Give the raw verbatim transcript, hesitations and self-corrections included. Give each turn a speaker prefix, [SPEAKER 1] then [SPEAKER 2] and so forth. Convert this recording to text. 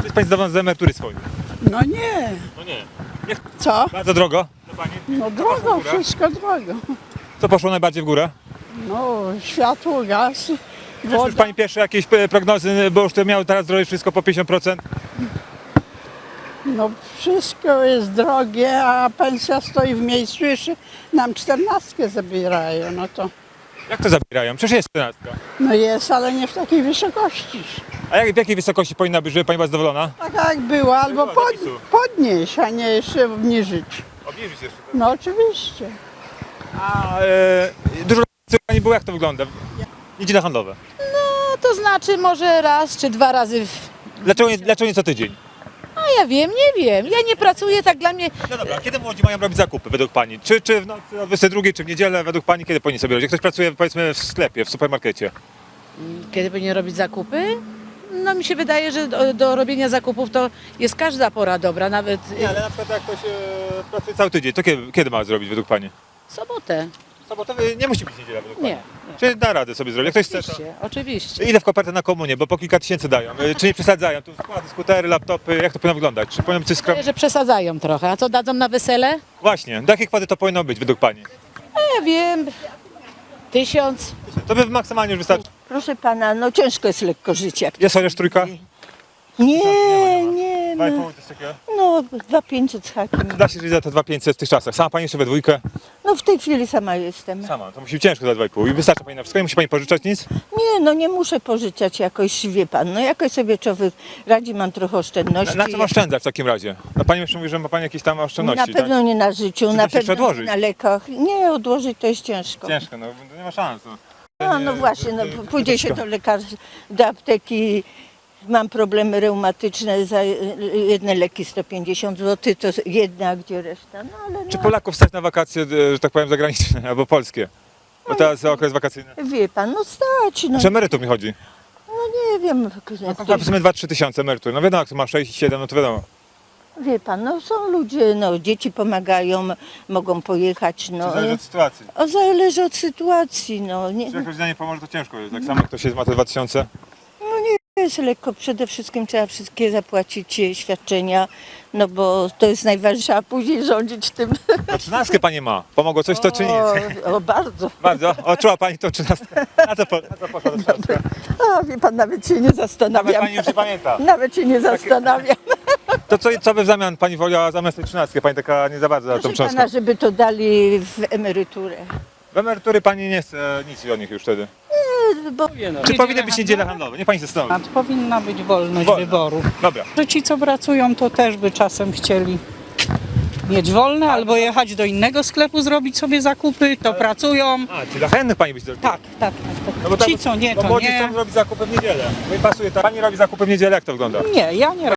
[SPEAKER 1] Czy jest pani zadowolona z emerytury swojej?
[SPEAKER 2] No nie.
[SPEAKER 1] No nie. nie.
[SPEAKER 2] Co?
[SPEAKER 1] Bardzo drogo? To pani?
[SPEAKER 2] No
[SPEAKER 1] Co poszło w
[SPEAKER 2] drogo,
[SPEAKER 1] górę?
[SPEAKER 2] wszystko drogo.
[SPEAKER 1] Co poszło najbardziej w górę?
[SPEAKER 2] No światło, gaz,
[SPEAKER 1] Czy już
[SPEAKER 2] woda.
[SPEAKER 1] pani pierwsze jakieś e, prognozy, bo już to miało teraz drożej wszystko po pięćdziesiąt procent?
[SPEAKER 2] No wszystko jest drogie, a pensja stoi w miejscu, jeszcze nam czternastkę zabierają, no to
[SPEAKER 1] Jak to zabierają? Przecież jest czternastka.
[SPEAKER 2] no jest, ale nie w takiej wysokości.
[SPEAKER 1] A jak, w jakiej wysokości powinna być, żeby pani była zadowolona?
[SPEAKER 2] Tak jak było, albo
[SPEAKER 1] Była
[SPEAKER 2] pod,
[SPEAKER 1] zapisu.
[SPEAKER 2] podnieść, a nie jeszcze obniżyć.
[SPEAKER 1] Obniżyć jeszcze.
[SPEAKER 2] No oczywiście.
[SPEAKER 1] A e, dużo razy pani było, jak to wygląda? Niedziele handlowe.
[SPEAKER 3] No to znaczy może raz czy dwa razy w...
[SPEAKER 1] Dlaczego nie, dlaczego nie co tydzień?
[SPEAKER 3] A ja wiem, nie wiem. Ja nie pracuję, tak dla mnie...
[SPEAKER 1] No dobra, kiedy młodzi mają robić zakupy według pani? Czy, czy w nocy o dwudziestej drugiej, czy w niedzielę według pani, kiedy powinni sobie robić? Jak ktoś pracuje powiedzmy w sklepie, w supermarkecie.
[SPEAKER 3] Kiedy powinien robić zakupy? No mi się wydaje, że do, do robienia zakupów to jest każda pora dobra, nawet
[SPEAKER 1] Nie, ale na przykład jak ktoś e, pracuje cały tydzień, to kiedy, kiedy ma zrobić według pani?
[SPEAKER 3] sobotę.
[SPEAKER 1] Sobotę nie musi być niedziela według
[SPEAKER 3] Nie,
[SPEAKER 1] pani.
[SPEAKER 3] nie.
[SPEAKER 1] Czy da radę sobie zrobić? Jak ktoś chce, to...
[SPEAKER 3] Oczywiście, oczywiście.
[SPEAKER 1] Ile w kopertę na komunię, bo po kilka tysięcy dają. E, Czy nie przesadzają? Tu składy, skutery, laptopy, jak to powinno wyglądać? Czy powinno być coś skromnego?
[SPEAKER 3] Wydaje, że przesadzają trochę. A co dadzą na wesele?
[SPEAKER 1] Właśnie, do jakiej kwoty to powinno być według pani?
[SPEAKER 3] Ja wiem, tysiąc.
[SPEAKER 1] To by maksymalnie już wystarczy.
[SPEAKER 4] Proszę pana, no ciężko jest lekko żyć jak
[SPEAKER 1] Jest chociaż trójka?
[SPEAKER 4] Nie, nie,
[SPEAKER 1] Dwa i
[SPEAKER 4] no,
[SPEAKER 1] pół, coś takiego?
[SPEAKER 4] no dwa pięćset z hakiem.
[SPEAKER 1] Da się żyć za te dwa pięćset w tych czasach. Sama pani jeszcze we dwójkę?
[SPEAKER 4] No w tej chwili sama jestem.
[SPEAKER 1] Sama, to musi być ciężko za dwa i pół. I wystarczy pani na wszystko, nie musi pani pożyczać nic?
[SPEAKER 4] Nie, no nie muszę pożyczać jakoś, wie pan, no jakoś sobie człowiek radzi, mam trochę
[SPEAKER 1] Na,
[SPEAKER 4] oszczędności.
[SPEAKER 1] na czym oszczędzać w takim razie? No pani jeszcze mówi, że ma pani jakieś tam oszczędności,
[SPEAKER 4] Na pewno
[SPEAKER 1] tak?
[SPEAKER 4] nie na życiu,
[SPEAKER 1] Czy
[SPEAKER 4] na
[SPEAKER 1] da się jeszcze
[SPEAKER 4] pewno nie
[SPEAKER 1] odłożyć?
[SPEAKER 4] na lekach. Nie, odłożyć to jest ciężko.
[SPEAKER 1] Ciężko, no to nie ma szans. No,
[SPEAKER 4] No, no właśnie, no, pójdzie się do lekarza, do apteki, mam problemy reumatyczne, za jedne leki sto pięćdziesiąt złotych, to jedna, a gdzie reszta? No ale
[SPEAKER 1] Czy
[SPEAKER 4] no,
[SPEAKER 1] Polaków stać na wakacje, e, że tak powiem, zagraniczne albo polskie? Bo teraz okres wakacyjny.
[SPEAKER 4] wie pan, no stać, no,
[SPEAKER 1] Czy emerytów mi chodzi?
[SPEAKER 4] no nie wiem.
[SPEAKER 1] No to powiedzmy dwa trzy tysiące emerytur. No wiadomo, jak to ma sześć siedem, no to wiadomo.
[SPEAKER 4] Wie pan, no są ludzie, no dzieci pomagają, mogą pojechać, no.
[SPEAKER 1] To zależy od sytuacji.
[SPEAKER 4] O, zależy od sytuacji, no. Nie,
[SPEAKER 1] Czy jak rodzina nie pomoże, to ciężko jest. Tak samo jak ktoś jest, ma te dwa tysiące.
[SPEAKER 4] no nie jest lekko, przede wszystkim trzeba wszystkie zapłacić e, świadczenia, no bo to jest najważniejsze, a później rządzić tym.
[SPEAKER 1] No trzynastkę pani ma. Pomogło coś to czy nic?
[SPEAKER 4] O, o bardzo.
[SPEAKER 1] Bardzo. Odczuła pani tą trzynastkę. Na co, po, na co poszła ta trzynastka?
[SPEAKER 4] A wie pan, nawet się nie
[SPEAKER 1] Nawet
[SPEAKER 4] zastanawiam.
[SPEAKER 1] pani już nie pamięta.
[SPEAKER 4] Nawet się nie zastanawiam.
[SPEAKER 1] To co, co by w zamian pani woliła zamiast tej trzynastki? Pani taka nie za bardzo za tą
[SPEAKER 4] Proszę
[SPEAKER 1] książkę.
[SPEAKER 4] pana, żeby to dali w emeryturę.
[SPEAKER 1] W emerytury pani nie chce nic od nich już wtedy.
[SPEAKER 4] Bo
[SPEAKER 1] Czy powinny być niedziele handlowe? Nie pani się zastanowi.
[SPEAKER 5] Powinna być wolność
[SPEAKER 1] Wolna.
[SPEAKER 5] wyboru.
[SPEAKER 1] Dobra.
[SPEAKER 5] Że ci, co pracują, to też by czasem chcieli mieć wolne albo jechać do innego sklepu, zrobić sobie zakupy, to pracują.
[SPEAKER 1] A, czyli dla chętnych pani być zrobiła.
[SPEAKER 5] Tak, tak, tak.
[SPEAKER 1] No bo
[SPEAKER 5] Ci,
[SPEAKER 1] tak-
[SPEAKER 5] co nie,
[SPEAKER 1] bo
[SPEAKER 5] to
[SPEAKER 1] młodzi
[SPEAKER 5] nie.
[SPEAKER 1] chcą robić zakupy w niedzielę. No i pasuje tak. Pani robi zakupy w niedzielę, jak to wygląda?
[SPEAKER 5] Nie, ja nie